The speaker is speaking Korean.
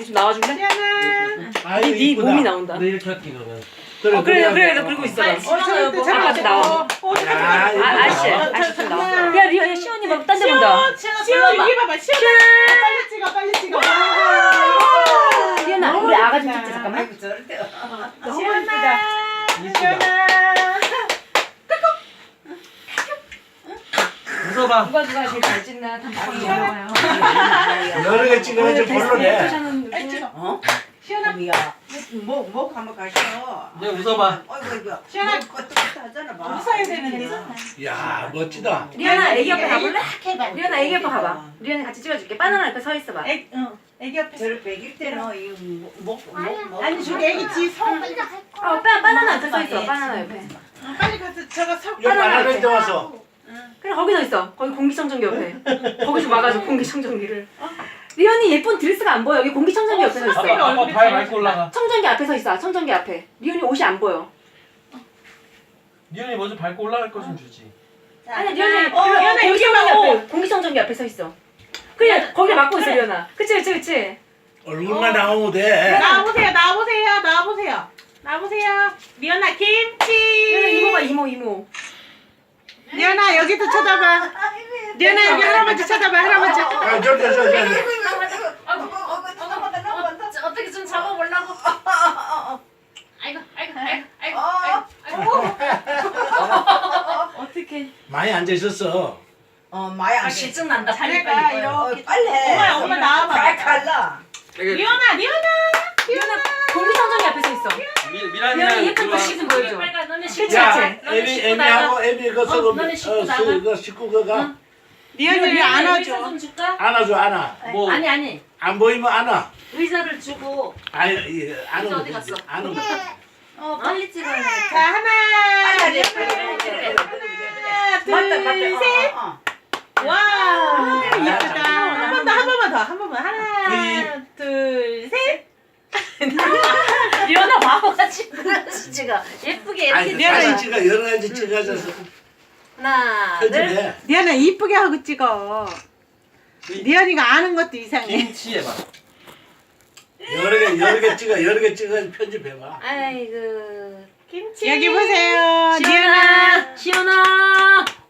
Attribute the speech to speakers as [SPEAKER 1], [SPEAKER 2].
[SPEAKER 1] 좀 나와줄래?
[SPEAKER 2] 아유,
[SPEAKER 1] 네
[SPEAKER 2] 이쁘다.
[SPEAKER 1] 몸이 나온다.
[SPEAKER 3] 너 이렇게 할게 그러면.
[SPEAKER 1] 그래 너 그러고 있어라. 잠깐 같이 나와. 아씨 좀 나와. 야 리아 시원이 막 딴 데 본다.
[SPEAKER 4] 시원 여기 봐봐. 시원. 빨리 찍어.
[SPEAKER 1] 리아나 우리 아가 좀 찍자 잠깐만.
[SPEAKER 4] 너무 예쁘다.
[SPEAKER 3] 이쁘다. 웃어봐.
[SPEAKER 1] 누가 제일 잘 찍나 단판이 나와요.
[SPEAKER 2] 여러 개 찍어야지 별로네.
[SPEAKER 4] 시원아.
[SPEAKER 5] 목 한번 가셔.
[SPEAKER 3] 이제 웃어봐.
[SPEAKER 5] 어이구
[SPEAKER 4] 시원아.
[SPEAKER 5] 하잖아 봐.
[SPEAKER 4] 웃어야 되는데.
[SPEAKER 2] 야 멋지다.
[SPEAKER 1] 리아나 애기 옆에 가볼래?
[SPEAKER 4] 해봐.
[SPEAKER 1] 리아나 애기 옆에 가봐. 리아나 같이 찍어줄게. 바나나 옆에 서 있어봐.
[SPEAKER 4] 애기 옆에.
[SPEAKER 5] 저를 베길 때는 이목
[SPEAKER 4] 아니 저기 애기 지성 빨리 가.
[SPEAKER 1] 바나나 옆에 서 있어. 바나나 옆에.
[SPEAKER 4] 빨리 가서 저거 석.
[SPEAKER 2] 여기 바나나인데 와서.
[SPEAKER 1] 그래 거기 서 있어. 거기 공기청정기 옆에. 거기 좀 와가지고 공기청정기를. 리언이 예쁜 드레스가 안 보여. 여기 공기청정기 옆에 서 있어.
[SPEAKER 3] 아빠 발 밟고 올라가.
[SPEAKER 1] 청정기 앞에 서 있어. 청정기 앞에. 리언이 옷이 안 보여.
[SPEAKER 3] 니은이 먼저 밟고 올라갈 거 좀 주지.
[SPEAKER 1] 아니 리언이
[SPEAKER 4] 리언아, 여기 봐.
[SPEAKER 1] 공기청정기 앞에 서 있어. 그래 거기 막고 있어 리언아. 그치.
[SPEAKER 2] 얼굴만 나오면 돼.
[SPEAKER 4] 나와보세요. 리언아
[SPEAKER 1] 리언아
[SPEAKER 4] 김치.
[SPEAKER 1] 이모 봐 이모.
[SPEAKER 4] 리언아 여기도 쳐다봐. 리언아 여기 할아버지 쳐다봐 할아버지.
[SPEAKER 2] 아 저기.
[SPEAKER 1] 어떻게 좀 잡아보려고. 아이고. 어떻게?
[SPEAKER 2] 많이 앉아 있었어.
[SPEAKER 5] 마야.
[SPEAKER 1] 실증 난다.
[SPEAKER 4] 자네가 이렇게.
[SPEAKER 5] 빨리 해.
[SPEAKER 4] 엄마 나와봐.
[SPEAKER 5] 잘 갈라.
[SPEAKER 4] 리언아.
[SPEAKER 1] 리언아 공기청정기 앞에 서 있어. 리언이
[SPEAKER 3] 미란이랑
[SPEAKER 1] 예쁜
[SPEAKER 3] 들어와.
[SPEAKER 1] 글씨 좀 보여줘. 그치.
[SPEAKER 2] 야 애미하고 애미 그
[SPEAKER 1] 너네 씻고 나가.
[SPEAKER 2] 그 식구 그가
[SPEAKER 4] 리언이를 안아줘.
[SPEAKER 1] 좀 줄까?
[SPEAKER 2] 안아줘 안아.
[SPEAKER 3] 뭐
[SPEAKER 1] 아니.
[SPEAKER 2] 안 보이면 안아.
[SPEAKER 1] 의자를 주고.
[SPEAKER 2] 아니 안아.
[SPEAKER 1] 어디 갔어?
[SPEAKER 2] 안아.
[SPEAKER 1] 빨리 찍어야 돼.
[SPEAKER 4] 자 하나.
[SPEAKER 5] 빨리
[SPEAKER 4] 둘 셋. 와 예쁘다. 한 번만 더. 하나 둘 셋.
[SPEAKER 1] 리언아 바보같이 지가 예쁘게
[SPEAKER 2] 아니
[SPEAKER 1] 이렇게
[SPEAKER 2] 사진
[SPEAKER 1] 찍어.
[SPEAKER 2] 찍어 여러 가지 찍어줘서
[SPEAKER 1] 하나 둘.
[SPEAKER 2] 편집해.
[SPEAKER 4] 리언아 이쁘게 하고 찍어. 리언이가 아는 것도 이상해.
[SPEAKER 3] 김치 해봐.
[SPEAKER 2] 여러 개 찍어 편집해봐.
[SPEAKER 1] 아이고.
[SPEAKER 4] 여기 보세요. 리언아.
[SPEAKER 1] 시원아.